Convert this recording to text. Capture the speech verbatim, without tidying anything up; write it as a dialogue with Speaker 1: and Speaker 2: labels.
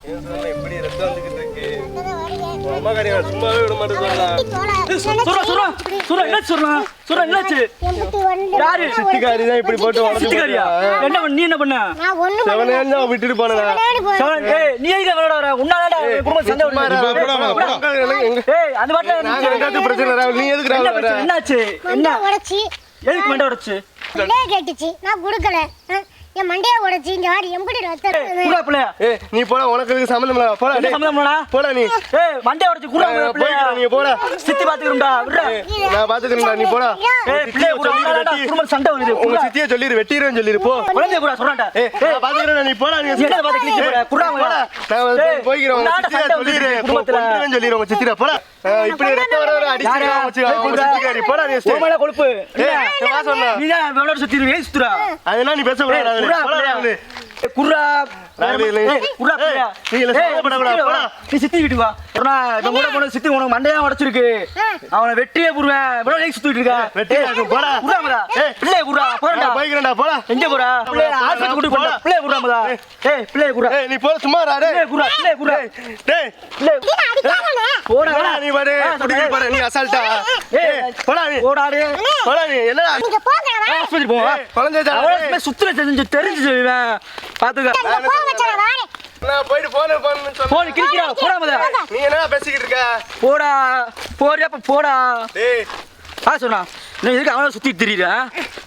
Speaker 1: எப்படி ரத்தம் வந்துகிட்டு இருக்கு அம்மா காரியா சும்மாவே விட மாட்டேங்குது யாரு சித்திகாரி தான் இப்படி போட்டு சித்திகாரியா என்ன நீ என்ன பண்ண செவனேன்னு தான் விட்டுட்டு போனதா நீ எங்க விளையாட வர உன்னாலடா குடும்ப சண்டை ஏய் அந்த வாட்ல எனக்கு பிரச்சனை நீ எதுக்கு வர என்னாச்சு என்ன
Speaker 2: உடைச்சி
Speaker 1: எதுக்கு மண்டை உடைச்சு
Speaker 2: மண்டைய கேட்டுச்சு நான் குடுக்கல என் மண்டைய உடைச்சி இங்க வாடி எம்படி ரத்தம்
Speaker 1: குடா பிள்ளை ஏய் நீ போடா உனக்கு இதுக்கு சம்பந்தம் இல்ல போடா
Speaker 2: என்ன
Speaker 1: சம்பந்தம் இல்லடா போடா நீ ஏய் மண்டைய உடைச்சு குடா பிள்ளை நீ போடா சித்தி பாத்துக்கறடா விடுடா நான் பாத்துக்கறேன்டா நீ போடா ஏய் பிள்ளை குடா குடும்ப சண்டை வருது உங்க சித்தியே சொல்லிரு வெட்டிறேன்னு சொல்லிரு போ குழந்தை குடா சொல்றடா ஏய் நான் பாத்துக்கறேன் நீ போடா நீ என்ன பாத்து கிளிக்கு போடா குடா போடா நான் போய்கிறேன் உங்க சித்தியே சொல்லிரு குடும்பத்துல சொல்லிரு உங்க சித்திடா போடா இப்படி ரத்தம் வர வர அடிச்சிரா வச்சு உங்க சித்திகாரி போடா நீ ஓமல கொழுப்பு ஏய் வா சொன்னா நீ தான் வெளோட சுத்திரு ஏய் சுத்துறா அதெல்லாம் நீ பேச கூடாது குர்ரா ராவிலே குர்ரா பிள்ளையா நீ இல்ல சோபட கூடாது போடா நீ சித்தி வீட்டுக்கு வா போடா இவன் கூட போன சித்தி உனக்கு மண்டையா உடைச்சிருக்கு அவனை வெட்டியே புடுவேன் இவ்வளவு லேக் சுத்திட்டு இருக்க வெட்டியா போடா குர்ராமடா ஏய் பிள்ளை குர்ரா போடா போய்க்கிறேன்டா போடா எங்க போறா பிள்ளை ஆஸ்பத்திரி கூட்டி போடா பிள்ளை குர்ராமடா ஏய் பிள்ளை குர்ரா ஏய் நீ போ சும்மா ரா டேய் குர்ரா பிள்ளை குர்ரா டேய் பிள்ளை போடா நீ பாரு குடிக்க பாரு நீ அசால்ட்டா ஏய் போடா நீ போடா டேய் போடா நீ என்னடா
Speaker 2: நீங்க போங்க
Speaker 1: ஆஸ்பத்திரி போ குழந்தை அவளே சுத்துற தெரிஞ்சு தெரிஞ்சு சொல்லுவேன் பாத்துக்க நான் போய்ட்டு போன் பண்ணு சொன்னா போன் கிளிக்கிறா போடா மத நீ என்னடா பேசிக்கிட்டு இருக்க போடா போறியா அப்ப போடா டேய் ஆ சொன்னா நீ எதுக்கு அவளை சுத்தி திரியற